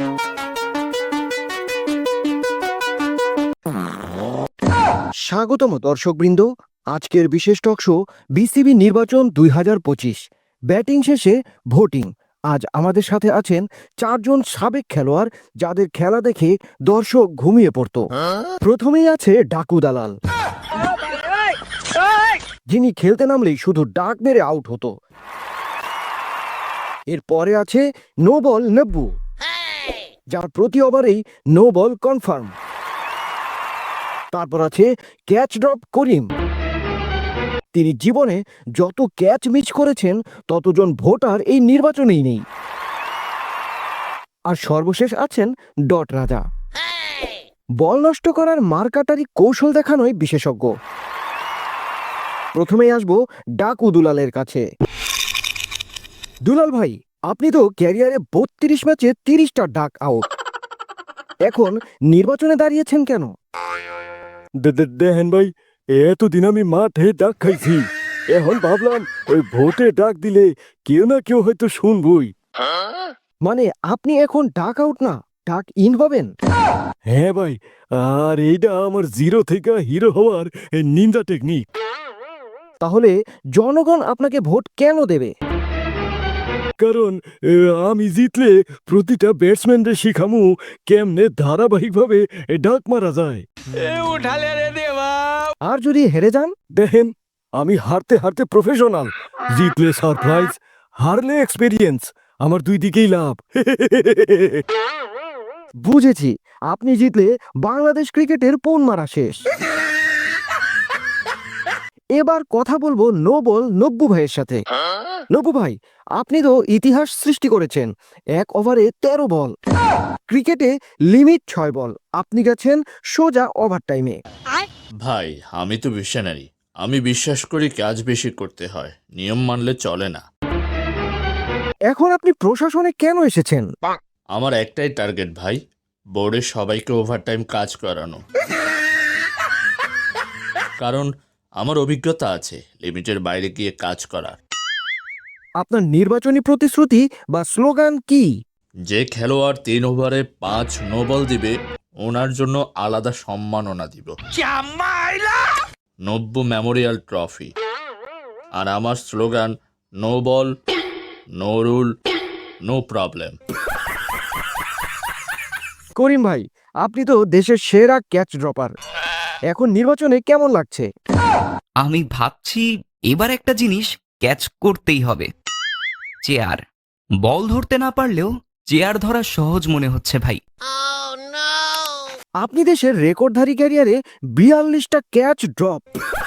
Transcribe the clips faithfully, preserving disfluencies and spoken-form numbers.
স্বাগতম দর্শকবৃন্দ, আজকের বিশেষ টক শো বিসিবি নির্বাচন দুই হাজার পঁচিশ। ব্যাটিং শেষে ভোটিং। আজ আমাদের সাথে আছেন চারজন সাবেক খেলোয়াড়, যাদের খেলা দেখে দর্শক ঘুমিয়ে পড়ত। প্রথমেই আছে ডাকু দালাল, যিনি খেলতে নামলেই শুধু ডাক মেরে আউট হতো। এরপরে আছে নো বল নব্বু, যার প্রতি ওভারেই নো বল কনফার্ম। তারপর আছে ক্যাচ ড্রপ করিম, তিনি জীবনে যত ক্যাচ মিস করেছেন ততজন ভোটার এই নির্বাচনেই নেই। আর সর্বশেষ আছেন ডট রাজা, বল নষ্ট করার মারকাটারি কৌশল দেখানোই বিশেষজ্ঞ। প্রথমেই আসবো ডাকু দুলালের কাছে। দুলাল ভাই, আপনি তো ক্যারিয়ারে বত্রিশ ম্যাচে তিরিশটা ডাক আউট, এখন নির্বাচনে দাঁড়িয়েছেন কেন? দেখেন ভাই, এতদিন আমি মাঠে ডাক খাইছি, এখন ভাবলাম ওই ভোটে ডাক দিলে কেউ না কেউ হয়তো শুনবই। মানে আপনি এখন ডাক আউট না, ডাক ইন হবেন? হ্যাঁ ভাই, আর এইটা আমার জিরো থেকে হিরো হওয়ার নিন্দা টেকনিক। তাহলে জনগণ আপনাকে ভোট কেন দেবে? কারণ এ, আমি জিতলে প্রতিটা ব্যাটসম্যানদের শিখামু কেমনে ধারাবাহিকভাবে ডাক মারা যায়। আর যদি হেরে যান? দেখেন, আমি হারতে হারতে প্রফেশনাল, জিতলে সারপ্রাইজ, হারলে এক্সপেরিয়েন্স, আমার দুই দিকেই লাভ। বুঝেছি, আপনি জিতলে বাংলাদেশ ক্রিকেটের পোন মারা শেষ। এবার কথা বলবো নো বল নব্বু ভাইয়ের সাথে। নব্বু ভাই, আপনি তো ইতিহাস সৃষ্টি করেছেন, এক ওভারে তেরো বল। ক্রিকেটে লিমিট ছয় বল, আপনি গেছেন সোজা ওভার টাইমে। ভাই, আমি তো মিশনারি, আমি বিশ্বাস করি কাজ বেশি করতে হয়, নিয়ম মানলে চলে না। এখন আপনি প্রশাসনে কেন এসেছেন? আমার একটাই টার্গেট ভাই, বোর্ডের সবাইকে ওভারটাইম কাজ করানো। কারণ আমার অভিজ্ঞতা আছে লিমিটের বাইরে গিয়ে কাজ করার। আপনার নির্বাচনী প্রতিশ্রুতি বা স্লোগান কি? যে খেলোয়াড় তিন ওভারে পাঁচ নো বল দিবে ওনার জন্য আলাদা সম্মাননা দিব, নব্য মেমোরিয়াল ট্রফি। আর আমার slogan no ball, no rule, no problem. Karim ভাই, আপনি তো দেশের সেরা ক্যাচ ড্রপার, এখন নির্বাচনে কেমন লাগছে? আমি ভাবছি এবার একটা জিনিস ক্যাচ করতেই হবে, চেয়ার। বল ধরতে না পারলেও চেয়ার ধরা সহজ মনে হচ্ছে ভাই। আপনি দেশের রেকর্ডধারী ক্যারিয়ারে বিয়াল্লিশটা ক্যাচ ড্রপ।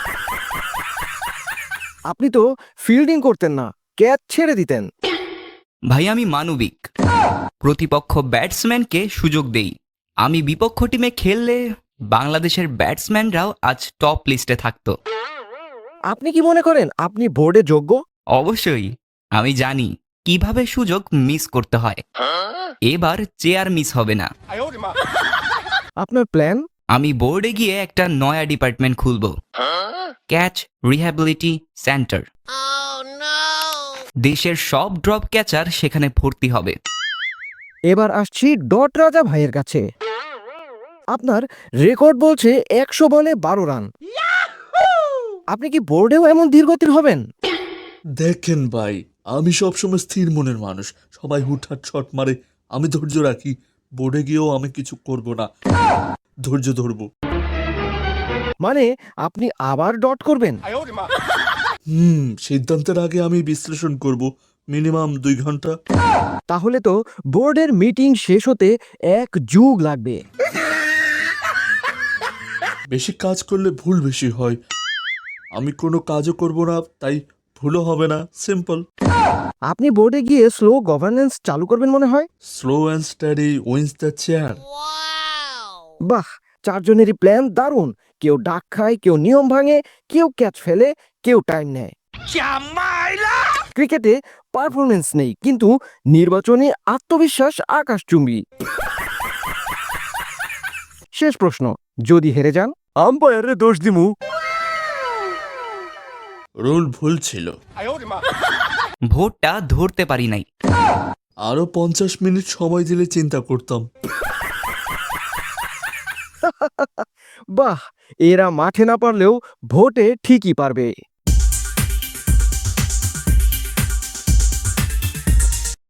আপনি তো ফিল্ডিং করতেন না, ক্যাচ ছেড়ে দিতেন। ভাই আমি মানবিক, প্রতিপক্ষ ব্যাটসম্যানকে সুযোগ দেই। আমি বিপক্ষ টিমে খেললে বাংলাদেশের ব্যাটসম্যানরাও আজ টপ লিস্টে থাকতো। আপনি কি মনে করেন আপনি বোর্ডে যোগ্য? অবশ্যই, আমি জানি কিভাবে সুযোগ মিস করতে হয়। এবার চেয়ার মিস হবে না। আপনার প্ল্যান? আমি বোর্ডে গিয়ে একটা নয়া ডিপার্টমেন্ট খুলব, ক্যাচ রিহ্যাবিলিটি সেন্টার। দেশের সব ড্রপ ক্যাচার সেখানে ভর্তি হবে। এবার আসছি ডট রাজা ভাইয়ের কাছে। আপনার রেকর্ড বলছে একশো বলে বারো রান। আপনি কি বোর্ডেও এমন ধীরগতির হবেন? দেখেন ভাই, আমি সবসময় স্থির মনের মানুষ, সবাই হুটহাট শট মারে, আমি ধৈর্য রাখি। বোর্ডে গিয়েও আমি কিছু করব না, ধৈর্য ধরবো। মানে আপনি আবার ডট করবেন? হুম সিদ্ধান্তের আগে আমি বিশ্লেষণ করব, মিনিমাম দুই ঘন্টা। তাহলে তো বোর্ডের মিটিং শেষ হতে এক যুগ লাগবে। বেশি কাজ করলে ভুল বেশি হয়, আমি কোনো কাজও করব না, তাই ভুলও হবে না, সিম্পল। আপনি বোর্ডে গিয়ে স্লো গভর্নেন্স চালু করবেন মনে হয়। Slow and study wins the chair. বাহ, চারজনেরই প্ল্যান দারুণ। কেউ ডাক খায়, কেউ নিয়ম ভাঙে, কেউ ক্যাচ ফেলে, কেউ টাইম নেয়। ক্রিকেটে পারফরমেন্স নেই, কিন্তু নির্বাচনে আত্মবিশ্বাস আকাশচুম্বী। শেষ প্রশ্ন, যদি হেরে যান? আম্পায়ারে দোষ দিমু। রুল ভুল ছিল। ভোটটা ধরতে পারি নাই। আরো পঞ্চাশ মিনিট সময় দিলে চিন্তা করতাম। বাহ, এরা মাঠে না পারলেও ভোটে ঠিকই পারবে।